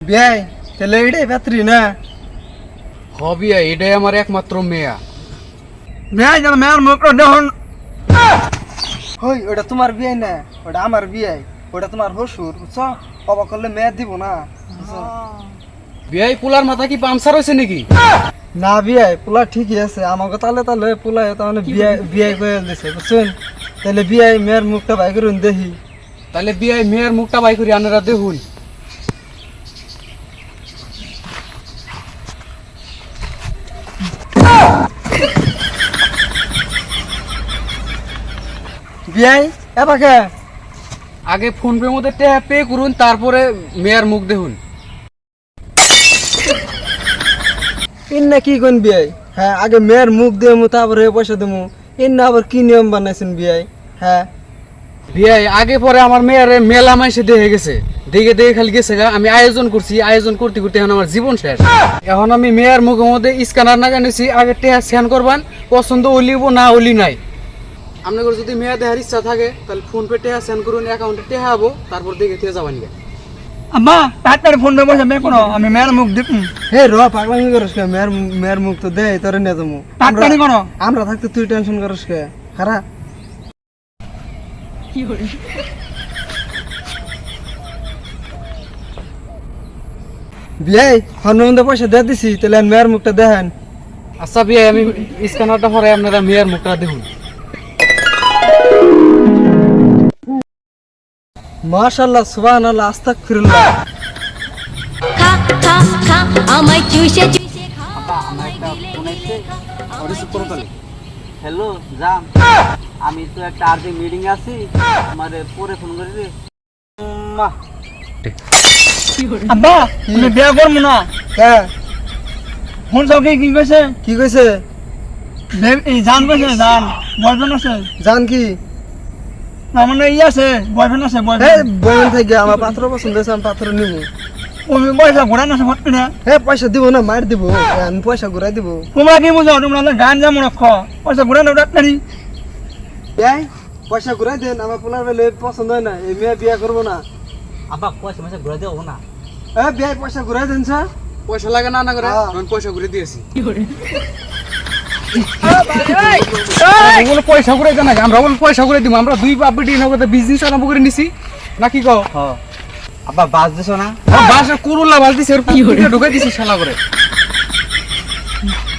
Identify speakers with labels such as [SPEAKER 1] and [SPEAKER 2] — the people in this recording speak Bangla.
[SPEAKER 1] বিয়াই তাহলে এটাই পাত্রী না
[SPEAKER 2] হবিয়া এটাই আমার একমাত্র মেয়া।
[SPEAKER 1] মেয়ে যেন মেয়ের মুখ দেখুন। হই ওটা তোমার বিয়ে না, ওটা আমার বিয়ে। ওটা তোমার হসুর বুঝছো, অবাক করলে মেয়ে দিব না বুঝছো?
[SPEAKER 2] বিয়াই পোলার মাথা কি পামসার হয়েছে নাকি?
[SPEAKER 1] না বিয়ে পোলা ঠিকই আছে, আমাকে তাহলে তাহলে পোলা তাহলে বিয়ে বিয়ে করে দিছে বুঝছেন। তাহলে বিয়ে মেয়ের মুখটা বাই করুন দেখি।
[SPEAKER 2] তাহলে বিয়াই মেয়ের মুখটা বাই করি আনারা দেখুন।
[SPEAKER 1] বিয়াই এবাকে
[SPEAKER 2] আগে ফোন পে মধ্যে টাকা পে করুন, তারপরে মেয়ের মুখ দেখুন।
[SPEAKER 1] ইন না কি কোন বিয়াই? হ্যাঁ আগে মেয়ের মুখ দেবো তারপরে পয়সা দেবো। ইন না আবার কি নিয়ম বানাইছেন বিয়াই? হ্যাঁ
[SPEAKER 2] বিয়াই আগে পরে আমার মেয়ের মেলা মাইসে দেখে গেছে, দেখে দেখে খালি গেছে গা। আমি আয়োজন করছি, আয়োজন করতে করতে এখন আমার জীবন শেষ। এখন আমি মেয়ের মুখের মধ্যে স্ক্যানার না জানিছি, আগে টেহা স্ক্যান করবান, পছন্দ অলিব না অলি নাই। আপনাদের যদি মেয়ে দেখার ইচ্ছা থাকে তাহলে ফোন পে টেহা স্ক্যান করুন, অ্যাকাউন্টে টেহা হবো, তারপর দেখে থেকে যাবান গা।
[SPEAKER 1] আম্মা তাড়াতাড়ি ফোন দেবো মেয়ে কোনো, আমি মেয়ের মুখ দেখুন। হে র পাগলামি করিস কে, মেয়ের মুখ তো দে তোরে নিয়ে যাবো। তাড়াতাড়ি কোনো, আমরা থাকতে তুই টেনশন করিস কে? হারা বিয়াই হনুমন্দে পয়সা দিয়ে দিছি, তাহলে মেয়ের মুখটা দেখেন।
[SPEAKER 2] আচ্ছা বিয়াই আমি স্ক্যানারটা পরে আপনারা মেয়ের মুখটা দেখুন।
[SPEAKER 1] মাশাআল্লাহ সুবহানাল্লাহ আস্তাগফিরুল্লাহ।
[SPEAKER 3] খা খা খা আমায় চুষে চুষে খা আমায় গিলে গিলে খা আমায়
[SPEAKER 4] হ্যালো জান, আমি তো একটা আর্জেন্ট মিটিং আছি, আমারে পরে ফোন করি রে।
[SPEAKER 1] আব্বা তুমি বিয়া করবো না? হ্যাঁ ফোন সব কি কইছে? কি কইছে? এই জান কইছে, জান বয়ফ্রেন্ড আছে। জান কি না মানে ই আছে, বয়ফ্রেন্ড আছে। বয়ফ্রেন্ড থেকে আমার পাত্র পছন্দ আছে, আমি পাত্র নিব। ওই পয়সা ঘুরাই না সব না। হ্যাঁ পয়সা দিব না, মার দিব, আমি পয়সা ঘুরাই দিব। তোমরা কি বুঝো? তোমরা গান যা মনে খ পয়সা ঘুরাই না ডাক্তারি। পয়সা ঘুরাই দেন, আমার পোলার বেলে পছন্দ হয় না, এই মেয়ে বিয়া করবো না।
[SPEAKER 4] আব্বা পয়সা ঘুরে দেবো না।
[SPEAKER 1] বিয়া পয়সা ঘুরাই দেন স্যার।
[SPEAKER 2] পয়সা লাগে না না করে আমি পয়সা ঘুরে দিয়েছি। ওগুলো পয়সা ঘুরে দেন, আমরা ওগুলো পয়সা ঘুরে দিব। আমরা দুই বাপ বেটি নগদে বিজনেস আরম্ভ করে নিছি নাকি কও?
[SPEAKER 4] আব্বা বাস দিছো না?
[SPEAKER 2] বাসা কুরুল্লা বাস দিছে, ঢুকাই দিছি শালা করে।